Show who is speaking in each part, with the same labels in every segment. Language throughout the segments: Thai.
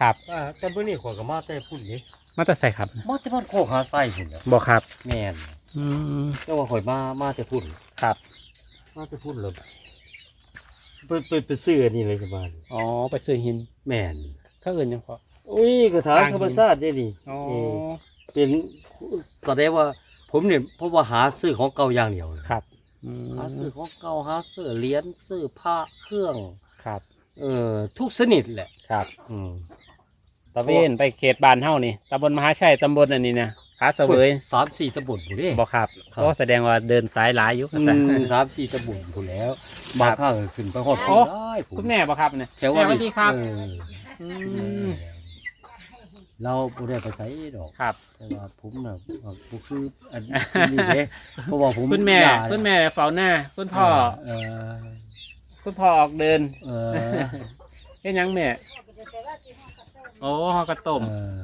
Speaker 1: ครับ
Speaker 2: แต่เมื่อนี้ข่อยก็มาแต่พุ่นนี่
Speaker 1: มาแต่ใส่ครับ
Speaker 2: มาแต่บ้านโคกหาไส้พุ่นน่ะ
Speaker 1: บ่ครับ
Speaker 2: แม่น
Speaker 1: อืม
Speaker 2: แต่ว่าข่อยมาแต่พุ่น
Speaker 1: ครับ
Speaker 2: มาแต่พุ่นเลยไปซื้ออันนี้เลยจ้ะบ้าน
Speaker 1: อ๋อไปซื้อหิน
Speaker 2: แม่น
Speaker 1: เขาอื่นยังพอ
Speaker 2: อุ้ยกระถาง
Speaker 1: ทางหิน
Speaker 2: ธรรมชาติได้นี่
Speaker 1: อ๋อ
Speaker 2: เป็นแสดงว่าผมเนี่ยเพราะว่าหาซื้อของเก่าอย่างเดียวเลย
Speaker 1: ครับอืม
Speaker 2: หาซื้อของเก่าหาซื้อเหรียญซื้อผ้าเครื่อง
Speaker 1: ครับ
Speaker 2: ทุกชนิดแหละ
Speaker 1: ครับ
Speaker 2: อืม
Speaker 1: ตะเวนไปเขตบ้านเฮานี่ตำบลมหาชัยตำบลอันนี้นะผาเสวย
Speaker 2: 3-4 ตำบลผู้เด้
Speaker 1: บ่ครับ
Speaker 2: ครับ
Speaker 1: ก็แสดงว่าเดินสายหลายอยู่
Speaker 2: 3-4 ตำบลผู้แล้วบางข้างขึ้นไปฮอด
Speaker 1: โอ้
Speaker 2: ผู้ได้ผู้
Speaker 1: คุณแม่บ่ครับเนี่ย
Speaker 2: แถวว่า
Speaker 1: สวัสดีครับ ม
Speaker 2: เราบ่ได้ไปไสดอก
Speaker 1: ครับ
Speaker 2: แต่ว่าผมน่ะบ่คืออันนี้เด้เพราะว่าผม
Speaker 1: คุณแม่
Speaker 2: ย่า
Speaker 1: คุณแม่เฝ้าหน้าคุณพ่อ
Speaker 2: เออ
Speaker 1: คุณพ่อออกเดิน
Speaker 2: เออ
Speaker 1: เฮ็ดหยังแม่โอ้ฮอกระต้ม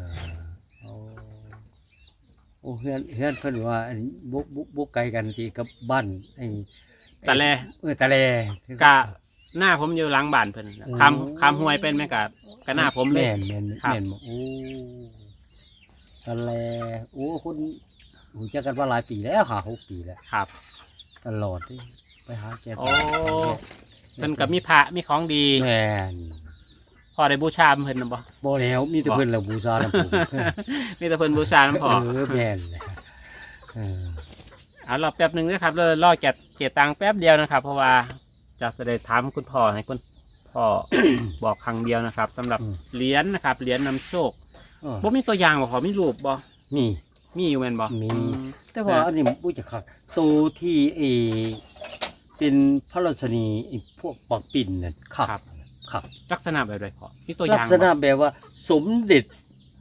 Speaker 2: โอ้เฮือนเพิ่นว่าอันบุกไกลกันที่กับบ้านไอ้
Speaker 1: ตะแล
Speaker 2: ตะแล
Speaker 1: กะหน้าผมอยู่หลังบ้านเพิ่นน่ะ
Speaker 2: โอ้
Speaker 1: คำห้วยเป็นไหมกะหน้าผมเลย
Speaker 2: แม่น
Speaker 1: ครับ
Speaker 2: แม่นบ่โอ้ตะแลโอ้คนรู้จักกันมาหลายปีแล้ว5-6 ปีแล้ว
Speaker 1: ครับ
Speaker 2: ตลอดที่ไปหาแก
Speaker 1: โอ้ เพิ่นกับมีพระมีของดี
Speaker 2: แม่น
Speaker 1: พอได้บูชาเพิ่นน่ะบ่
Speaker 2: บ่แล้วมีแต่เพิ่นแล้วบูชานำผม
Speaker 1: มีแต่เพิ่นบูชาน้ำพอ
Speaker 2: แม่นแหละเออ
Speaker 1: เอารอแป๊บหนึงนะครับเลยรอเก็บตังค์แป๊บเดียวนะครับ เพราะว่าจะได้ถามคุณพ่อให้คุณพ่อ บอกครั้งเดียวนะครับสำหรับเหรียญนะครับเหรียญนำโชค
Speaker 2: เออ
Speaker 1: บ่มีตัวอย่างบ่ขอมีรูปบ่
Speaker 2: มี
Speaker 1: มีอยู่แม่นบ่
Speaker 2: มี
Speaker 1: อื
Speaker 2: แต่ว่าอันนี้บ่จะคักตัวที่เป็นพระราชนีไอ้พวกปักปิ่นน่ะคัก
Speaker 1: ครับ
Speaker 2: คัก
Speaker 1: ลักษณะแบบใดพอมีตัวอ
Speaker 2: ลั
Speaker 1: ย่าก ง
Speaker 2: ษณะ
Speaker 1: บ่
Speaker 2: แบบว่าสมเด็จ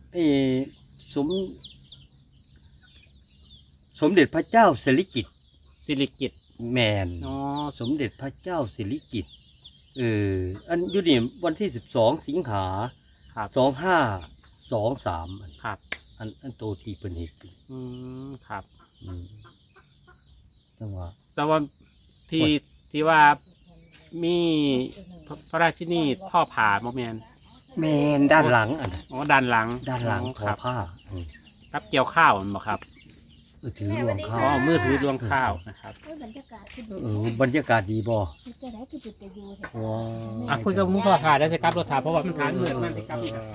Speaker 2: สมเด็จพระเจ้าสิริกิติ์
Speaker 1: สิริกิติ์
Speaker 2: แมน
Speaker 1: อ๋อ
Speaker 2: สมเด็จพระเจ้าสิริกิติ์อันอยู่นี่วันที่12 สิงหา
Speaker 1: ครับ
Speaker 2: 2523
Speaker 1: ครับ
Speaker 2: อันโตที่เพิ่นเฮ็ด
Speaker 1: ครับ
Speaker 2: อืมจังว่า
Speaker 1: แต่ว่าที่
Speaker 2: โอ้ย
Speaker 1: ที่ว่ามีพระราชินีท่อผ่าบ่แม่น
Speaker 2: แมนด้านหลังอันน่ะ
Speaker 1: อ๋อด้านหลัง
Speaker 2: ด้านหลังท
Speaker 1: ค
Speaker 2: อ
Speaker 1: รับ
Speaker 2: ผ้า
Speaker 1: รับเกี่ยวข้าวมันบ่ครับ
Speaker 2: ถือรวงข้า
Speaker 1: อ๋อ
Speaker 2: ว
Speaker 1: มือถือรวงข้าวนะครับ
Speaker 3: บรรยากาศคือดี
Speaker 2: บรรยากาศดีบ่
Speaker 3: จะได้คือจุดจะอยู่แถว
Speaker 2: ว้า
Speaker 1: อ่ะคุยกับคุณพ่อค่ะได้สิครับรถถามเพราะว่ามันทานเหมือนมันสิครับ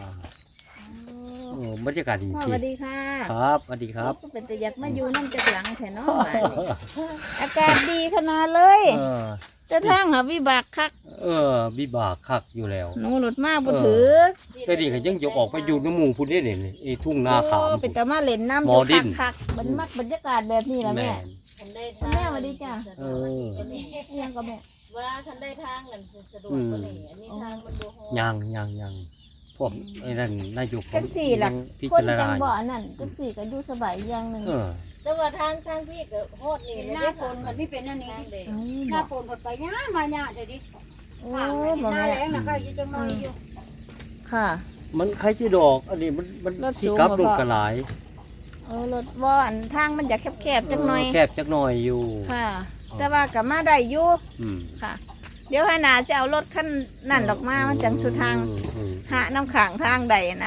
Speaker 2: บรรยากาศดี
Speaker 3: พ่อ
Speaker 2: จ
Speaker 3: ส
Speaker 2: ริ
Speaker 3: วั
Speaker 2: ง
Speaker 3: สดีค่ะ
Speaker 2: ครับสวัสดีครับ
Speaker 3: ก็เป็นแต่อยากมาอยู่น้ำจากหลังแถวน้องบ้านนี่อากาศดีขนาดเลย
Speaker 2: เออ
Speaker 3: จะทางหาวิบากคัก
Speaker 2: วิบากคักอยู่แล้ว
Speaker 3: หนูหลุดมาบ่ถือ
Speaker 2: แต่นี่ก็ยังจะออกไปอยู่น้ำหมู่พุ่นได้นี่ไอ้ทุ่งนาขาม
Speaker 3: เป็นแต่มาเล่นน้ำ
Speaker 2: หมอดิ้น
Speaker 3: คักๆมันมักบรรยากาศแบบนี้ล่ะแม่
Speaker 2: น
Speaker 3: คุณแม่สวัสดีจ้ะ
Speaker 2: เออ
Speaker 3: ยังก็แม่
Speaker 4: ว่าทันได้ทางนั่นสะดวกกว่านี้อันนี้ทางมันบ่ฮอด
Speaker 2: ยังพวกไอ้นั่นนายก
Speaker 3: จังสี่ล่ะ
Speaker 2: พิ
Speaker 3: คน
Speaker 2: จาร
Speaker 3: จัง
Speaker 2: ณา
Speaker 3: บ่อันนั้นจังสี่ก็อยู่สบายอย่างหนึง
Speaker 4: แต่ว่าทางพี่ก็ฮอดนี่
Speaker 5: หน้าฝนมันไม่เป็นอันนี้
Speaker 4: ทางเด็ก
Speaker 3: อืม
Speaker 5: หน้าฝนหมดไปย่ามาย่าเดี๋ยวดิ
Speaker 3: โอ้
Speaker 5: ถาม
Speaker 3: ย
Speaker 5: ห
Speaker 3: บ่
Speaker 5: น้า
Speaker 3: แม่
Speaker 5: แรงนะก็อยู่จังน้อยอยู่
Speaker 3: ค่ะ
Speaker 2: มันใครที่ดอก อันนี้มัน
Speaker 3: รถสู
Speaker 2: ที่
Speaker 3: ง
Speaker 2: กลับ
Speaker 3: บ่
Speaker 2: ลง
Speaker 3: พ่อ
Speaker 2: กระหลาย
Speaker 3: รถบ่อันทางมันจะแคบๆจักหน่อย
Speaker 2: แคบจักหน่อยอยู่
Speaker 3: ค่ะ แต่ว่าก็มาได้อยู่
Speaker 2: อืม
Speaker 3: ค่ะ เดี๋ยวให้นาจะเอารถขั้นนั่นออกมามันจังสุดทาง
Speaker 2: อืม
Speaker 3: หาน้ำขังทางใดนะ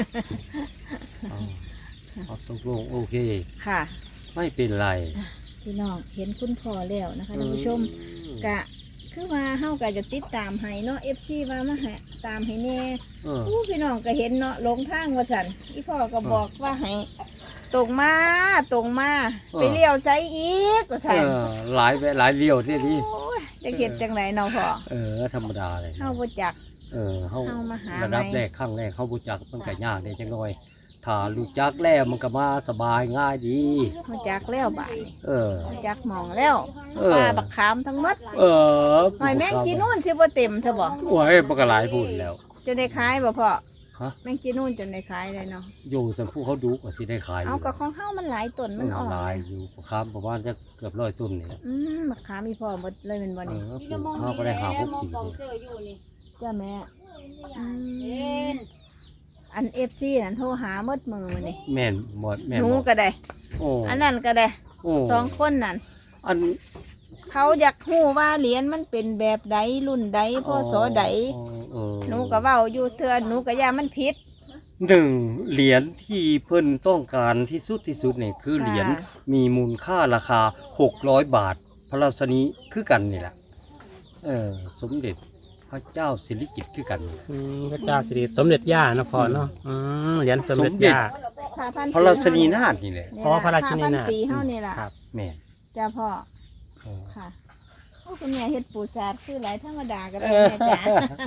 Speaker 2: เอาตกลงโอเค
Speaker 3: ค่ะ
Speaker 2: ไม่เป็นไร
Speaker 3: พี่น้องเห็นคุณพ่อแล้วนะคะท่านผู้ชมกะคือว่าเฮาก็จะติดตามให้เนาะ FC ว่ามาให้ตามให้แน่
Speaker 2: เออ
Speaker 3: อู้พี่น้องก็เห็นเนาะหลงทางว่าซั่นอีพ่อก็บอกว่าให้ตรงมาไปเลี้ยวใจอีกว่าซั่น
Speaker 2: หลายเลี้ยวที่นี่
Speaker 3: โอ้ยจะเฮ็ดจังไดเนาะพ่อ
Speaker 2: ธรรมดาเลย
Speaker 3: เฮาบ่จัก
Speaker 2: เฮา
Speaker 3: เอามาหา
Speaker 2: ระดับ
Speaker 3: ไหม
Speaker 2: แรกข้างแรกเขารู้จักมันก็ยากได้จังน้อยถ้ารู้จักแล้วมันก็มาสบายง่ายดี
Speaker 3: บ่จักแล้วบาดนี้
Speaker 2: เออ
Speaker 3: บ่จักหมองแล้ว
Speaker 2: เออ
Speaker 3: ปลาบักขามทั้งหมด
Speaker 2: เออ
Speaker 3: หอยแมงจีนู่นสิบ่เต็มซะบ่
Speaker 2: โอ้ยมันก็หลายพูดแล้ว
Speaker 3: จนได้ขายบ่พ่อ
Speaker 2: ฮะ
Speaker 3: แมงจีนู่นจนได้ขายเลยเนาะ
Speaker 2: อยู่แต่ผู้เขาดูก็สิได้ขาย
Speaker 3: เอากับของเฮามันหลายต้นมันออก
Speaker 2: หลายอยู่ค้ามประมาณจะเกือบ100ต้นนี่แหละ
Speaker 3: บักขามมีพ่อหมดเลยแม่นบ่
Speaker 2: เอ
Speaker 3: นี่
Speaker 2: อ
Speaker 5: นี่
Speaker 2: ปลู
Speaker 5: เรา
Speaker 2: ก
Speaker 5: มอง
Speaker 2: เขาก็ได้หาพวก
Speaker 5: มอง
Speaker 2: ปี
Speaker 5: กองเสื้ออยู่นี่
Speaker 3: จ้าแม่อื
Speaker 5: เอ็
Speaker 3: ม
Speaker 5: น
Speaker 3: อัน FC นั่นโทรหาหมดมือมื้อนี่
Speaker 2: แม่นหมดแม่น
Speaker 3: หนู
Speaker 2: หมด
Speaker 3: ก็ได้
Speaker 2: โอ้
Speaker 3: อันนั้นก็ได้
Speaker 2: โอ้
Speaker 3: สองคนนั่น
Speaker 2: อัน
Speaker 3: เขาอยากฮู้ว่าเหรียญมันเป็นแบบใดรุ่นใดพศใด
Speaker 2: อ๋อ
Speaker 3: หนูก็เว้าอยู่เทื่อหนูก็ย่ามันผิด
Speaker 2: หนึ่งเหรียญที่เพิ่นต้องการที่สุดเนี่ยคือเหรียญมีมูลค่าราคา600 บาท พระราชนีคือกันนี่แหละสมเด็จพระเจ้าสิริกิติ์คือกันนี่แหละ
Speaker 1: พระเจ้าสิริสมเด็จย่านะพ่อเนาะเหรียญสมเด็จย่า
Speaker 3: ค่ะพัน
Speaker 2: พระราชนีนาถนี่แหละ
Speaker 3: นี่
Speaker 1: อ๋อ
Speaker 3: ล่
Speaker 1: พระราชินี
Speaker 3: พัน
Speaker 1: น่ะ
Speaker 3: ปีเฮานี่ล่ะ
Speaker 1: ครับ
Speaker 2: แม่น
Speaker 3: จ้าพ่อ
Speaker 2: เออ
Speaker 3: ค่ะโอ้คุณแม่เฮ็ดปูสาดคือหลายธรรมดาก็ได้แม่จ้า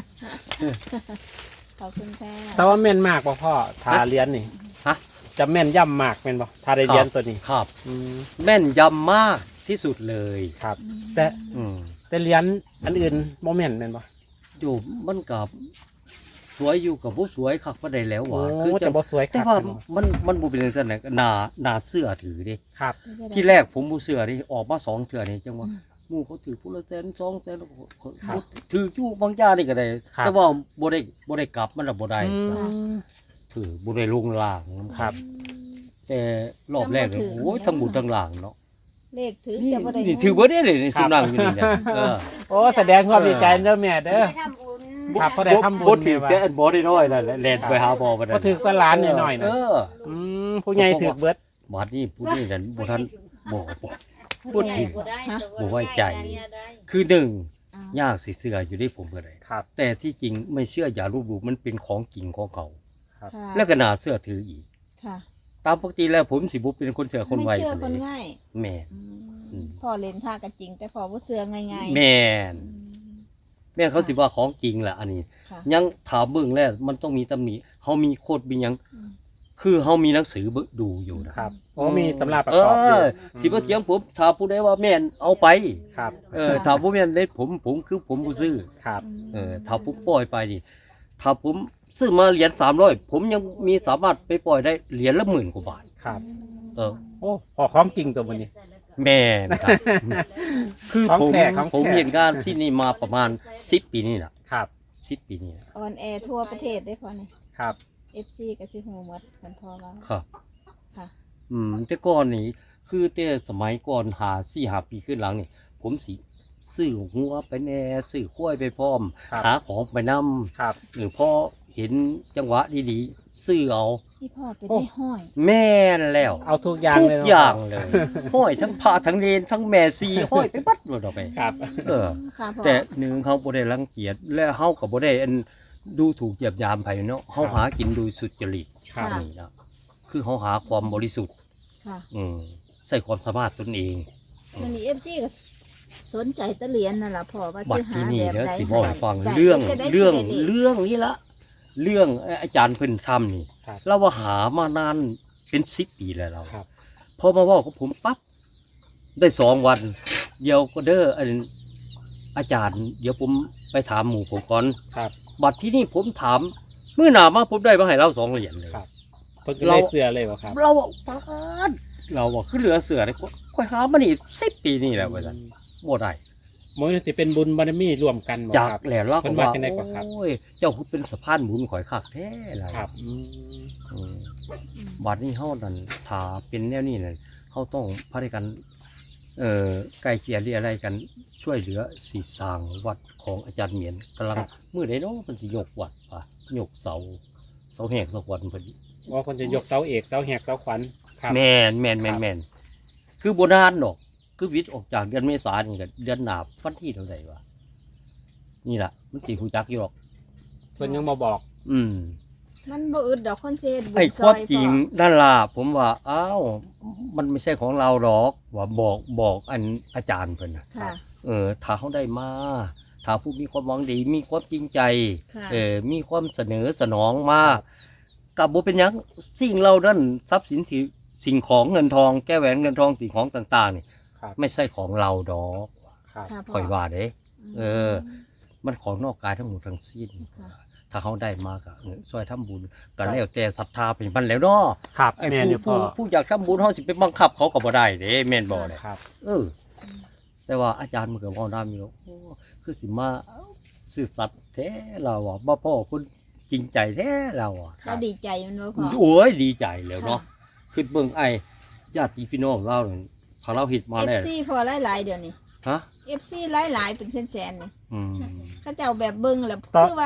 Speaker 3: ขอบคุณค่ะ
Speaker 1: แต่ว่าแม่นมากบ่พ่อทาเหรียญนี่
Speaker 2: ฮะ
Speaker 1: จะแม่นย่ำมากแม่นบ่ทาได้เหรียญตัวนี้
Speaker 2: ครับ
Speaker 1: อืม
Speaker 2: แม่นยำมากที่สุดเลย
Speaker 1: ครับ แต่
Speaker 2: อืม
Speaker 1: แต่เหรียญอันอื่นบ่แม่นแม่นบ่
Speaker 2: อยู่มันกับสวยอยู่กับผู้สวยคักบ่ได้แล้วห
Speaker 1: โอ้
Speaker 2: ว่าคือ
Speaker 1: แต่บ่สวยค
Speaker 2: แต่
Speaker 1: รับ
Speaker 2: ว่ามันบ่เป็นจังซั่นน่ะหน้าเสื้อถือดิ
Speaker 1: ครับ
Speaker 2: ที่แรกผมบ่เสื้อดิออกมา2เทื่อนี่จังว่าหมู่เขาถือผู้ละแสน2แสนถืออยู่บางจ้านี่ก็ได้ แต่ว่าบ่ได้กลับมันน่ะบ่ได้
Speaker 1: อื
Speaker 2: ซะ
Speaker 1: ม
Speaker 2: ถือบ่ได้ลงล่างนำ
Speaker 1: ครับ
Speaker 2: แต่รอบแรกเนี่ยโอ้ยทั้งบุญทั้งล่างเนาะ
Speaker 3: เลขถือ
Speaker 2: นี่
Speaker 3: แต่บ่ได้
Speaker 2: นี่ถือบ่ได้เลยในชุมนั่งอยู่นี่เนี่ยเออ
Speaker 1: โอ้แสดงความดีใจเด้อแม่เด้อ
Speaker 5: ไปทำบุญ
Speaker 1: ครับพอได้ทำบุญ
Speaker 2: บ่ถือ
Speaker 1: แม่ว่า
Speaker 2: แค่อันบ่ได้น้อยนั่นแหละแล่นไปหาบ่บ่ได้
Speaker 1: บ่ถือก็ล้านหน่อยๆ
Speaker 2: เอ
Speaker 1: นะ
Speaker 2: อ
Speaker 1: ผู้ใหญ่ถือเบิด
Speaker 2: บาดนี้ผู้นี้นั่นบ่ทันบ่ พูดถึง
Speaker 4: บ่ได้แต่
Speaker 2: บ่ไว้ใจ
Speaker 4: ได้
Speaker 2: คือหนึ่ง
Speaker 3: อ้าวย
Speaker 2: ากสิเชื่ออยู่ได้ผมก็ได้
Speaker 1: ครับ
Speaker 2: แต่ที่จริงไม่เชื่ออย่าลบหลู่มันเป็นของจริงของเขา
Speaker 3: ค่ะ
Speaker 2: แล้วก็น่าเชื่อถืออีก
Speaker 3: ค่ะ
Speaker 2: ตามปกติแล้วผมสิบ่เป็นคนเชื่อคนไว
Speaker 3: ไม่เชื่อ
Speaker 2: เท่า
Speaker 3: คน
Speaker 2: นี้
Speaker 3: ง่าย
Speaker 2: แม่น
Speaker 3: อืมพ่อเล่นผ้าก็จริง แต่พ่อบ่เชื่อง่ายๆ
Speaker 2: แม่น
Speaker 3: อืม
Speaker 2: แม่นเขาสิว่าของจริงแหละอันนี้
Speaker 3: ค่ะ
Speaker 2: ยังถามเบิ่งแล้วมันต้องมีตำหนิเฮามีโคดมีหยัง
Speaker 3: อืม
Speaker 2: คือเฮามีหนังสือเบิ่งดูอยู่นะครับ
Speaker 1: โอ้มีตำราประกอบอยู่
Speaker 2: สิบ่เถียงผมถ้าผู้ใดว่าแม่นเอาไป
Speaker 1: ครับ
Speaker 2: ถ้าบ่แม่นเด้ผมคือผมบ่ซื้อ
Speaker 1: ครับ
Speaker 2: ถ้าผมปล่อยไปนี่ถ้าผมซื้อมาเหรียญ300ผมยังมีสามารถไปปล่อยได้เหรียญละ10,000 กว่าบาท
Speaker 1: ครับ
Speaker 2: เออ
Speaker 1: โอ้พอของจริงตัวมันนี้
Speaker 2: แม่นครับ คือ
Speaker 1: ของ
Speaker 2: ผม
Speaker 1: แท้ของแท้
Speaker 2: ผมเห็นงานที่นี่มาประมาณ10 ปีนี่ล่ะ
Speaker 1: ครับ
Speaker 2: 10 ปีนี่ล่ะ
Speaker 3: ออนแอร์ทั่วประเทศได้พอนี่
Speaker 1: ครับ
Speaker 3: FC ก็สิฮู้หมดมันพอว่า
Speaker 2: ครับ
Speaker 3: ค่ะ
Speaker 2: แต่ก่อนนี่คือแต่สมัยก่อน4-5 ปีขึ้นหลังนี่ผมสิซื้อหัวไปแน่ซื้อข้วยไปพร้อม
Speaker 1: ครับ
Speaker 2: หาของไปนำ
Speaker 1: ครับ
Speaker 2: หรือพอเห็นจังหวะดีๆซื้อเอา
Speaker 3: ที่พ่อเป็น
Speaker 1: โอ้
Speaker 3: ได้ห้อย
Speaker 2: แม่นแล้ว
Speaker 1: เอาทุกอย่าง
Speaker 2: ทุก
Speaker 1: เลยเนะ
Speaker 2: อย่างเลย ห้อยทั้งพระทั้งเนรทั้งแม่ซีห้อยไปบัดหมดเอาไป
Speaker 1: ครับ
Speaker 2: เออ
Speaker 3: ค่ะพ่อ
Speaker 2: แต่หนึ่งเขาบ่ได้รังเกียจและเฮาก็บ่ได้อันดูถูกเหยียบยามไผเนาะเฮาหากินโดยสุจริต
Speaker 1: ครับ
Speaker 2: นี่นะคือเฮาหาความบริสุทธิ์
Speaker 3: ค่ะ
Speaker 2: ใส่ความสามารถตนเอง
Speaker 3: วันนี้ FC ก็สนใจตะเหรียญนั่นล่ะพ่อว่า
Speaker 2: บั
Speaker 3: สิ
Speaker 2: ด
Speaker 3: หา
Speaker 2: ที่นี่
Speaker 3: แบบ
Speaker 2: เดี๋ยว
Speaker 3: ใด
Speaker 2: สิบอกให้ฟัง
Speaker 3: ได้
Speaker 2: เรื่อง
Speaker 3: จะได้
Speaker 2: เรื่อง
Speaker 3: สิได้ดี
Speaker 2: เรื่องนี้ละเรื่องอาจารย์เพิ่นทำนี่
Speaker 1: ครับ
Speaker 2: เราว่าหามานานเป็น10 ปีแล้วเรา
Speaker 1: ครับ
Speaker 2: พอมาเว่ากับผมปั๊บได้2 วันเดี๋ยวก็เด้ออันอาจารย์ เดี๋ยวผมไปถามหมู่ผมก่อน
Speaker 1: ครับ
Speaker 2: บัดที่นี่ผมถามเมื่อหนามาผมได้มาให้เรา2 เหรียญเลย
Speaker 1: ครับ เพิ่นก็เลยเสือเลยวะครับ
Speaker 2: เราบอกปาดเราบอกขึ้นเหลือเสือเลยค่อยหามานี่10 ปีนี่แหละว่าซั่นบ่ได้
Speaker 1: มันจะเป็นบุญบารมีรวมกันบ่
Speaker 2: จาก
Speaker 1: ครับ
Speaker 2: แล้วเรา
Speaker 1: เพิ่
Speaker 2: ก็
Speaker 1: นว่า
Speaker 2: ว่า
Speaker 1: จังได๋กว่าครับ
Speaker 2: โอ้ยเจ้าคือเป็นสะพานบุญข่อยคักแท้ล่ะ
Speaker 1: ครับ
Speaker 2: อืมบัดนี้เฮานั่นถ้าเป็นแนวนี้นั่นเฮาต้องพาด้วยกันไกลเกลี่ยหรืออะไรกันช่วยเหลือสิสร้างวัดของอาจารย์เหมียนกำลัง
Speaker 1: ครับ
Speaker 2: มื้อใดเนาะเพิ่นสิยกวัดป่ะยกเสาแหกเสาขวัญเพิ่น
Speaker 1: ว่าคนจะยกเสาเอกเสาแหกเสาขวัญครับ
Speaker 2: แม่น
Speaker 1: ครับ
Speaker 2: คือบ่นานดอกคือวิทย์ออกจากเดือนเมษายนนี่ก็เดือนหน้าวันที่เท่าใดวะนี่ล่ะมันสิฮู้จักอยู่หรอก
Speaker 1: เพิ่นยังมาบอก
Speaker 2: อืม
Speaker 3: มันบ่อึดดอกคนสิเฮ็ดบุญ
Speaker 2: ไอ้
Speaker 3: ซ
Speaker 2: ความ
Speaker 3: อย
Speaker 2: จริง
Speaker 3: พ่อ
Speaker 2: นั่นล่ะผมว่าอ้าวมันไม่ใช่ของเราหรอกว่าบอกอันอาจารย์เพิ่นน่ะ
Speaker 3: ค่ะ
Speaker 2: ถ้าเขาได้มาถ้าผู้มีความหวังดีมีความจริงใจ
Speaker 3: ค่ะ
Speaker 2: มีความเสนอสนองมากับบ่เป็นหยังสิ่งเรานั้นทรัพย์สินสิ่งของเงินทองแก้วแหวนเงินทองสิ่งของต่างๆนี่
Speaker 1: ครับ
Speaker 2: ไม่ใช่ของเราดอก
Speaker 1: ครับ
Speaker 3: ค่ะพ่
Speaker 2: ค่อยว่าเด้ เออ
Speaker 3: ม
Speaker 2: มันของนอกกายทั้งหมดทั้งสิ้น
Speaker 3: ค่ะ
Speaker 2: ถ้าเขาได้มาก็ช่วยทำบุญก็แล้วแต่ศรัทธาเป็นมันแล้วเนาะ
Speaker 1: ครับ
Speaker 2: ไอ้
Speaker 1: แม่นอยู่พ่
Speaker 2: ผู้
Speaker 1: อ
Speaker 2: อยากทำบุญเขาสิไปบังคับเขาก็บ่ได้เด้แม่นบ่เลย
Speaker 1: ครับ
Speaker 2: แต่ว่าอาจารย์มันก็บ่ได้มีหรอกโอ้คือสิมาซื่อสัตย์แท้เราอ่ะบ่พ่อคนจริงใจแท้เราอ่ะ
Speaker 3: เราดีใจมันบ่พ่อ
Speaker 2: โอ้ยดีใจแล้วเนาะคือเบิ่งไอ้ญาติพี่น้องเราเนี่ยถ้าเราเฮ็ดมาแล้ว
Speaker 3: FC พอหลายๆเดี๋ยวนี้
Speaker 2: ฮะ
Speaker 3: FC หลายๆเป็นแสนๆนี่
Speaker 2: อืม
Speaker 3: เขาเจ้าแบบเบิ่งแล้ว
Speaker 1: ต่อ
Speaker 3: คือว่า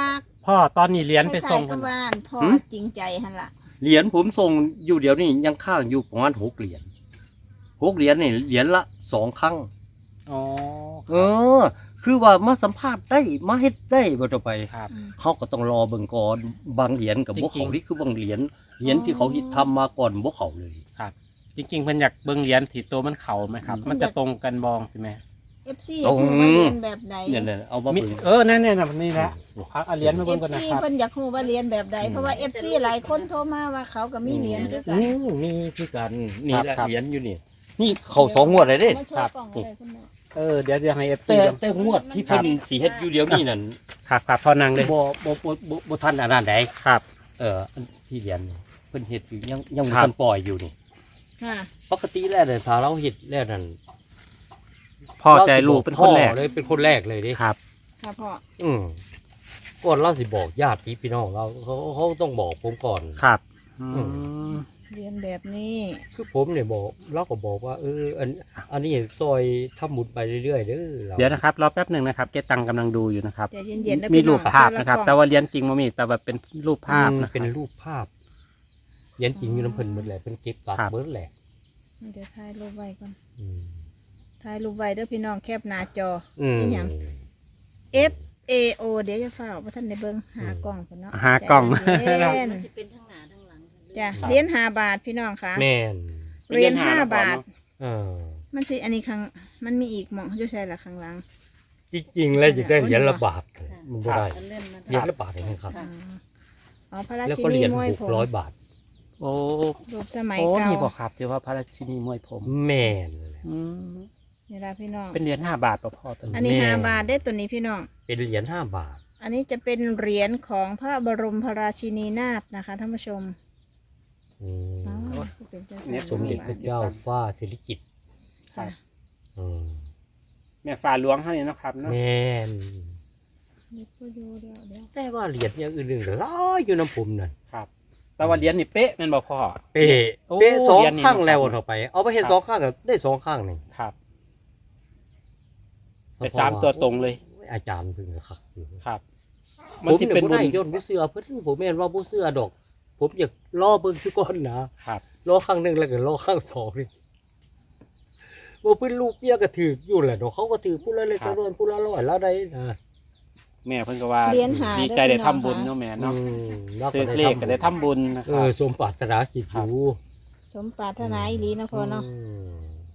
Speaker 1: พ่อตอนนี้เหรียญไปส่ง
Speaker 3: คล้ายๆกับบ้านพ่อจริงใจหั่นล่ะ
Speaker 2: เหรียญผมส่งอยู่เดี๋ยวนี้ยังข้างอยู่ประมาณ6 เหรียญ6 เหรียญนี่เหรียญละ2 ครั้ง
Speaker 1: อ๋อ
Speaker 2: เออ คือว่ามาสัมภาษณ์ได้มาเฮ็ดได้บ่ต่อไป
Speaker 1: ครับ
Speaker 2: เขาก็ต้องรอเบิ่งก่อนบางเหรียญกับบ่
Speaker 1: จริ
Speaker 2: เขา
Speaker 1: งๆ
Speaker 2: นี่คือบางเหรียญที่เขาทำมาก่อนบ่เขาเลย
Speaker 1: ครับ จริงๆเพิ่นอยากเบิ่งเหรียญที่ตัวมันเข่าไหมครับ มันจะตรงกันบองใช่ไหม
Speaker 3: FC อยากรู้ว่าเรียนแบบใด
Speaker 2: เนี่ยๆเอามา
Speaker 1: มี
Speaker 2: เบิ่ง
Speaker 1: นั่นนี่แหละเอาเหรียญมาเบิ่งกันนะ
Speaker 3: FC
Speaker 1: ครับ
Speaker 3: เพิ่นอยากรู้ว่าเรียนแบบใดเพราะว่า FC หลายคนโทรมาว่าเขาก็มีเหรียญคือกัน
Speaker 2: มีคือกันนี่แหละ
Speaker 1: ครับ
Speaker 2: เหรียญอยู่นี่นี่เขา2 งวดเลยเด้
Speaker 3: มาโชว์กล่องเลยคุณแม่
Speaker 1: เดี๋ยวให้ FC
Speaker 2: แต่งวดที่เพิ่นสิเฮ็ดอยู่เดี๋ยวนี้นั่น
Speaker 1: ครับพอนั่งเลย
Speaker 2: บ่ทันอันนั้นใด
Speaker 1: ครับ
Speaker 2: อันที่เหรียญนี่เพิ่นเฮ็ดอยู่ยังบ่
Speaker 1: ครับ
Speaker 2: ทันปล่อยอยู่นี่
Speaker 3: ค่ะ
Speaker 2: ปกติแล้วเนี่ยถ้าเราเฮ็ดแล้วนั่น
Speaker 1: พ่อใจลูกเป็นคนแรก
Speaker 2: พ่อเลยเป็นคนแรกเลยดิ
Speaker 1: ครับ
Speaker 3: ค่ะพ่อ
Speaker 2: ก่อนเราสิบอกญาติพี่น้องเราเขาต้องบอกผมก่อน
Speaker 1: ครับ
Speaker 2: อื
Speaker 3: เรียนแบบนี้
Speaker 2: คือผมเนี่ยบอกเราก็บอกว่าอันนี้ซอยทำบุญไปเรื่อยๆเด้อรา
Speaker 1: เดี๋ยวนะครับรอแป๊บหนึ่งนะครับเกตังกำลังดูอยู่นะครับ
Speaker 3: ใจเย็นๆนะ
Speaker 1: มี
Speaker 3: พี่น้
Speaker 1: รู
Speaker 3: อง
Speaker 1: ปภาพนะครับ แต่ว่าเหรียญจริงมันมีแต่ว่าเป็นรูปภาพนะค
Speaker 2: เป็น
Speaker 1: รับ
Speaker 2: รูปภาพเหรียญจริงอยู่น้ำเพิ่นหมดแหละเป็นเก็บกัด
Speaker 1: ครับ
Speaker 2: เบิดแหละ
Speaker 3: เดี๋ยวถ่ายรูปไว้ก่อน
Speaker 2: อืม
Speaker 3: ถ่ายรูปไว้เด้อพี่น้องแคปหน้าจอ
Speaker 2: อืม
Speaker 3: นี่หยัง F A O เดี๋ยวจะฝ้ากบ่ทันได้เบิ่งหากล้องก่อนเนาะ
Speaker 1: หากล้อง
Speaker 3: ใจเย็น
Speaker 4: มันจะเป็นทั้งหน้าทั้งหลัง
Speaker 3: จ้ะเหรียญ5 บาทพี่น้องค่ะ
Speaker 2: แม่น
Speaker 3: เหรียญ5 บาท
Speaker 2: เออ
Speaker 3: มันสิอันนี้ข้างมันมีอีกหม่องอยู่ใช่ล่ะข้างหลัง
Speaker 2: จริงๆแล้วจะได้เหรียญละบาทมันบ่ได้
Speaker 4: มันเล่นมา
Speaker 2: เหรียญละบาทเองครับ
Speaker 3: อ๋ออ๋อพระรา
Speaker 2: แล้ว
Speaker 3: ชิ
Speaker 2: ก็เห
Speaker 3: นี
Speaker 2: รียญ
Speaker 3: มวยผม
Speaker 2: 600 บาท
Speaker 1: โอ้
Speaker 3: รูปสมัย
Speaker 1: โอ้
Speaker 3: เก่า
Speaker 1: นี่บอกครับที่ว่าพระราชินีมวยผม
Speaker 2: แม่น
Speaker 1: อืม
Speaker 3: นี่ล่ะพี่น้อง
Speaker 1: เป็นเหรียญ5 บาทป่ะพ่อตัว
Speaker 3: อัน
Speaker 1: นี้
Speaker 3: นี้
Speaker 2: แม่
Speaker 3: 5 บาทได้ตัวนี้พี่น้อง
Speaker 2: เป็นเหรียญ5 บาท
Speaker 3: อันนี้จะเป็นเหรียญของพระบรมราชินีนาถนะคะท่านผู้ชม
Speaker 2: อืม
Speaker 3: อ๋อเป็นเจ้า
Speaker 1: เนี่ย
Speaker 2: สมเด็จพระเจ้าฟ้าสิริกิติ์
Speaker 3: จ้ะ
Speaker 2: อืม
Speaker 1: แม่ฟ้าหลวงเท่านี้เนาะครับเนาะ
Speaker 2: แม่น
Speaker 3: นี่ก็อยู่เดี๋ยว
Speaker 2: แต่ว่าเหรียญอย่างอื่นๆหลายอยู่น้ำผมนั่น
Speaker 1: ครับ แต่ว่าเหรียญนี่เป๊ะแม่นบ่พ่อ
Speaker 2: เป๊ะ
Speaker 1: โอ้
Speaker 2: เป๊ะสอง
Speaker 1: เหรียญนี่
Speaker 2: ข้างแล้ว
Speaker 1: ครับ
Speaker 2: เท่าไป เอาไปเห็น
Speaker 1: ครับ
Speaker 2: สองข้างก็ได้2 ข้างนี่
Speaker 1: ครับไป3 ตัวตรงเลย
Speaker 2: อาจารย์เพิ่งครับ
Speaker 1: ครับ
Speaker 2: ผ
Speaker 1: มัน
Speaker 2: ม
Speaker 1: ที่
Speaker 2: เนี่ย
Speaker 1: เป็น
Speaker 2: บ่
Speaker 1: บุ
Speaker 2: ได้
Speaker 1: ญ
Speaker 2: ย่นบ่เสื้อเพิ่นผมแม่นว่าบ่เสื้อดอก ผมอยากล่อเบิ่งซุก่อนนะครับ ล่อข้างหนึงแล้วก็ล่อข้าง2นี่บ่เพิ่นลูกเมียก็ถืออยู่แหละดอกเขาก็ถือผู้ละเล็ก
Speaker 1: ครับ
Speaker 2: ละน้อยผู้ละร้อยแล้วได้นะ
Speaker 1: แม่เพิ่นก็ว่า
Speaker 3: เหรียญหา
Speaker 1: ดีใจได้ทำบุญเนาะแม่เนาะ
Speaker 2: แล้ว
Speaker 1: ซื้อเลขก็ได้ทำบุญนะค
Speaker 2: เอ
Speaker 1: รับ
Speaker 2: อสมปรารถนาจิตอยู่
Speaker 3: สมปรารถนาอีหลีนะพ่อเนาะ
Speaker 2: ม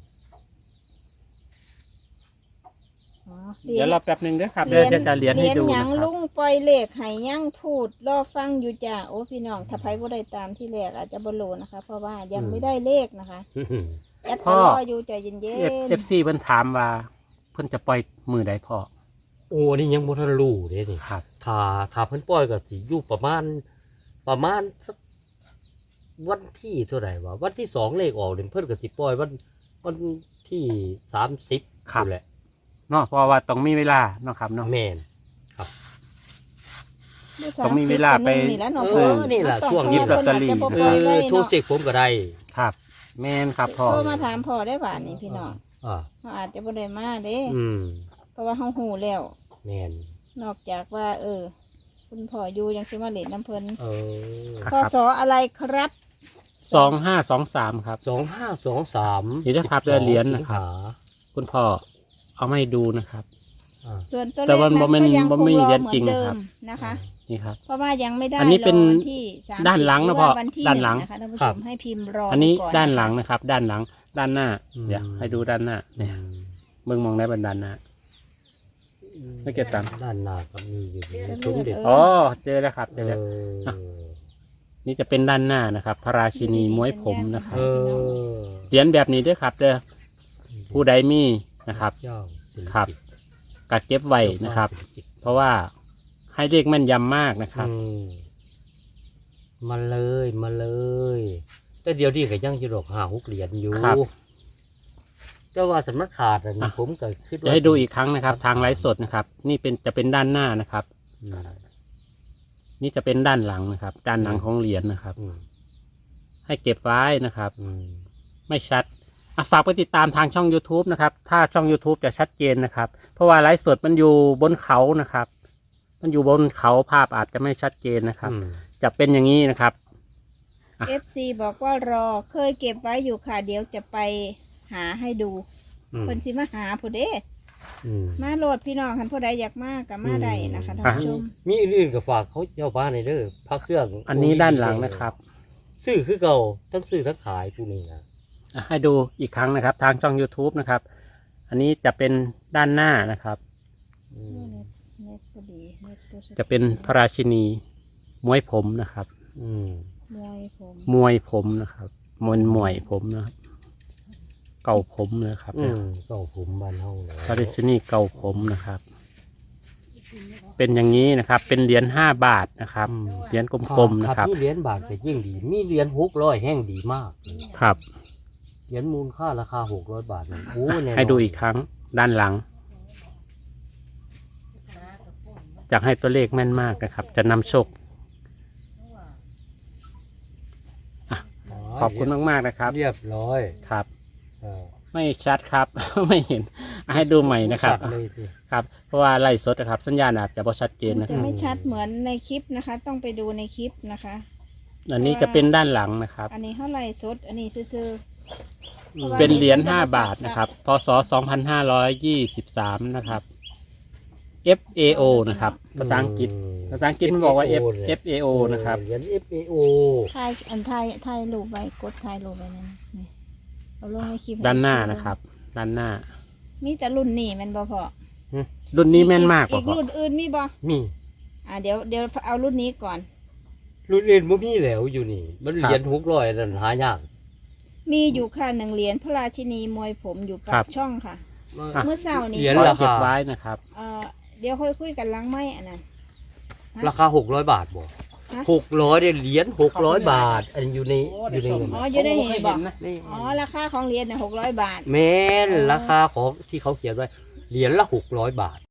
Speaker 3: อ๋อ
Speaker 1: เดี๋ยวรอแป๊บหนึงเด้อครับ
Speaker 3: เหรียญ
Speaker 1: เดี๋ยวจะเหรียญให้ดู
Speaker 3: หยั
Speaker 1: นะ
Speaker 3: ง
Speaker 1: ครั
Speaker 3: ลุ
Speaker 1: บ
Speaker 3: งปล่อยเลขให้ยังพูดรอฟังอยู่จ้าโอ้พี่น้องถ้าไผบ่ได้ตามที่แรกอาจจะบ่รู้นะคะ เพราะว่ายังไม่ได้เลขนะคะแอดก็รออยู่ใจเย็น
Speaker 1: FC เพิ่นถามว่าเพิ่นจะปล่อยมือใดพ่อ
Speaker 2: โอ้นี่ยังบ่ทันรู้เด้นี่
Speaker 1: ครับ
Speaker 2: ถ้าเพิ่นปล่อยก็สิอยู่ประมาณสักวันที่เท่าไหร่วะวันที่2เลขออกเนี่ยเพิ่นก็สิปล่อยวันที่30
Speaker 1: ครับ
Speaker 2: นั่นแหละ
Speaker 1: เนาะเพราะว่าต้องมีเวลาเนาะครับเนาะ
Speaker 2: แม่น
Speaker 3: ๆดู
Speaker 1: ต้องมีเวลาไป
Speaker 3: 30นี่แหละเนาะ
Speaker 2: เอ
Speaker 3: พ่อ
Speaker 2: อนี่ล่ะ
Speaker 3: ต้อง
Speaker 2: ช่วง
Speaker 1: หยิบลอตเตอรี่
Speaker 3: เพิ่นอาจจะบ่ปล่อยไว้
Speaker 2: โทร
Speaker 3: เนาะ
Speaker 2: เช็คผมก็ได้
Speaker 1: ครับ แม่นครับพ่อ
Speaker 3: โทรมาถามพ่อได้บ่านี่พี่น้อง
Speaker 2: อ่า
Speaker 3: เขาอาจจะบ่ได้มาเด้
Speaker 2: อืม
Speaker 3: เพราะว่าเฮาฮู้แล้ว
Speaker 2: แม่น
Speaker 3: นอกจากว่า คุณพ่ออยู่ยังสิมาเล่นน้ำเพิ่น
Speaker 2: เออ
Speaker 1: ครับ
Speaker 3: พศอะไรครับ
Speaker 1: 2523ครับ
Speaker 2: 2523
Speaker 1: นี่นะครับได้เหรียญ
Speaker 2: 12
Speaker 1: นะครับ
Speaker 2: สิงหา
Speaker 1: คุณพ่อเอามาให้ดูนะครับ
Speaker 2: อ่า
Speaker 3: ส่วนตัวเล
Speaker 1: แต่
Speaker 3: ข
Speaker 1: ว่า
Speaker 3: นั้น
Speaker 1: บ่แม่น
Speaker 3: ก็ยัง
Speaker 1: บ่
Speaker 3: ค
Speaker 1: แม่
Speaker 3: ง
Speaker 1: น
Speaker 3: รอ
Speaker 1: เหรียญ
Speaker 3: เหมื
Speaker 1: จริ
Speaker 3: อง นเดิ
Speaker 1: นะครับ
Speaker 3: มนะคะ
Speaker 1: นี่ครับ
Speaker 3: เพราะว่ายังไม่ได้
Speaker 1: อันนี้เป็น
Speaker 3: รอวันที่30
Speaker 1: ด้านหลังนะ
Speaker 3: รือ
Speaker 1: พ่อ
Speaker 3: ว่าวันที่
Speaker 1: ด้านหลัง
Speaker 3: นะคะท่านผู้ชมให้พิมพ์รอ
Speaker 1: อันนี้
Speaker 3: ก่
Speaker 1: ด้านหลัง
Speaker 3: ะคะ
Speaker 1: นะครับ ด้านหลัง ด้านหน้า
Speaker 2: อืม
Speaker 1: เดี๋ยวให้ดูด้านหน้าเนี่ยเบิ่งมองได้บนด้านหน้า ไม่เก็บตังค์
Speaker 2: ด้านหน้าก็มีอยู่สมเด็จ
Speaker 1: อ๋อเจอแล้วครับเจอแล้ว
Speaker 2: เออ
Speaker 1: นี่จะเป็นด้านหน้านะครับ พระราชินีม้วยผมนะครับ
Speaker 2: เออ
Speaker 1: เหรียญแบบนี้ด้วยครับเด้อผู้ใดมีนะครับ
Speaker 2: เจ้าสิริ
Speaker 1: ครับ
Speaker 2: กิติ์
Speaker 1: กัดเก็บไว้นะครับ
Speaker 2: สิกิติ์
Speaker 1: เพราะว่าให้เลขแม่นยำมากนะครับ
Speaker 2: อืมมาเลยมาเลย แต่เดี๋ยวนี้ก็ยังจะดอก5-6 เหรียญอยู่
Speaker 1: ครับ
Speaker 2: แต่ว่าสำนักขาดอันนี้
Speaker 1: อ่ะ
Speaker 2: ผมก็คิดว่า
Speaker 1: จะให้ดูอีกครั้งนะครับ ทางไลฟ์สดนะครับ นี่เป็นจะเป็นด้านหน้านะครับ
Speaker 2: อืม
Speaker 1: นี่จะเป็นด้านหลังนะครับ ด้านหลังของเหรียญนะครับ
Speaker 2: อืม
Speaker 1: ให้เก็บไว้นะครับ
Speaker 2: อืม
Speaker 1: ไม่ชัดฝากไปติดตามทางช่อง YouTube นะครับ ถ้าช่อง YouTube จะชัดเจนนะครับ เพราะว่าไลฟ์สดมันอยู่บนเขานะครับมันอยู่บนเขาภาพอาจจะไม่ชัดเจนนะครับ
Speaker 2: อืม
Speaker 1: จะเป็นอย่างนี้นะครับ
Speaker 3: FC บอกว่ารอเคยเก็บไว้อยู่ค่ะ เดี๋ยวจะไปหาให้ดู
Speaker 2: อืม
Speaker 3: เพิ่นสิมาหาผู้เด้
Speaker 2: อืม
Speaker 3: มาโหลดพี่น้องคันผู้ใดอยากมาก็มาได้นะคะท่านผู้ชม
Speaker 2: มีอื่นๆก็ฝากเขาเจ้าบ้านในเด้อพระเครื่อง
Speaker 1: อันนี้ด้านหลังนะครับ
Speaker 2: ซื้อคือเก่าทั้งซื้อทั้งขายผู้นี้นะ
Speaker 1: ให้ดูอีกครั้งนะครับ ทางช่อง YouTube นะครับ อันนี้จะเป็นด้านหน้านะครับ
Speaker 2: อืม
Speaker 3: เน็ตพอดีเน็ตตัวสุด
Speaker 1: จะเป็นพระราชินีมวยผมนะครับ
Speaker 2: อืม
Speaker 3: มวยผม
Speaker 1: มวยผมนะครับมวยผมนะครับ เก่าผมนะครับ
Speaker 2: อืมเก่าผมบ้านเฮาเลย
Speaker 1: พระราชินีเก่าผมนะครับ เป็นอย่างนี้นะครับ เป็นเหรียญ5 บาทนะครับ เหรียญกลมๆนะครับ
Speaker 2: มีเหรียญบาทก็ยิ่งดี มีเหรียญ600แห้งดีมาก
Speaker 1: ครับ
Speaker 2: เหรียญมูลค่าราคา600 บาทนี่โอ้แน่นอน
Speaker 1: ให้ดูอีกครั้งด้านหลังอยากให้ตัวเลขแม่นมากนะครับ จะนำโชค ขอบคุณมากๆนะครับ
Speaker 2: เรียบร้อย
Speaker 1: ครับ
Speaker 2: เออ
Speaker 1: ไม่ชัดครับ ไม่เห็นให้ดูใหม่นะครับ
Speaker 2: สัตว์เลยสิ
Speaker 1: ครับ เพราะว่าไล่สดนะครับ สัญญาณอาจจะบ่ชัดเจน
Speaker 3: มัน
Speaker 1: นะค
Speaker 3: จะ
Speaker 1: รับ
Speaker 3: ไม่ชัดเหมือนในคลิปนะคะ ต้องไปดูในคลิปนะคะ
Speaker 1: อันนี้จะเป็นด้านหลังนะครับ
Speaker 3: อันนี้เท่าไหร่สด อันนี้ซื่อ
Speaker 1: เป็นเหรียญ5 บาทนะครับ พศ 2523 นะครับ FAO นะครับ ภาษาอังกฤษ ภาษาอังกฤษมันบอกว่า FAO นะครับ
Speaker 2: เหรียญ FAO
Speaker 3: ๆถ่ายอันถ่ายรูปไว้กดถ่ายรูปไว้นั่นนี่เอาลงในคลิป
Speaker 1: ด้านหน้านะครับ ด้านหน้า
Speaker 3: มีแต่รุ่นนี้แมันบ่พอ
Speaker 1: รุ่นนี้แม่นมากก
Speaker 3: อี
Speaker 1: ว่าก พ่อ
Speaker 3: รุ่นอื่นมีบ่
Speaker 2: มี
Speaker 3: เดี๋ยวเอารุ่นนี้ก่อน
Speaker 2: รุ่นอื่นบ่มีแล้วอยู่นี่ มันเหรียญ600นั่นหายาก
Speaker 3: มีอยู่ค่ะ1 เหรียญพระราชินีมวยผมอยู่ปากช่องค่ะ
Speaker 1: อ่ะ
Speaker 3: เมื่อเช้านี้
Speaker 2: เหรียญ
Speaker 1: ขอ
Speaker 2: รา
Speaker 1: เก็บ
Speaker 2: คา
Speaker 1: ไว้นะครับ
Speaker 3: เดี๋ยวค่อยคุยกันหล้างไม้อันนั้น
Speaker 2: ราคา600 บาทบ่
Speaker 3: ฮะ
Speaker 2: 600เนี่ยเหรียญ600 บาท อันอยู่ในเงิน
Speaker 3: อ๋ออยู่ได้เห็นบอก
Speaker 2: นี่
Speaker 3: อ๋อราคาของเหรียญเนี่ย600 บาท
Speaker 2: แม่นราคาของที่เขาเขียนไว้เหรียญละ600 บาท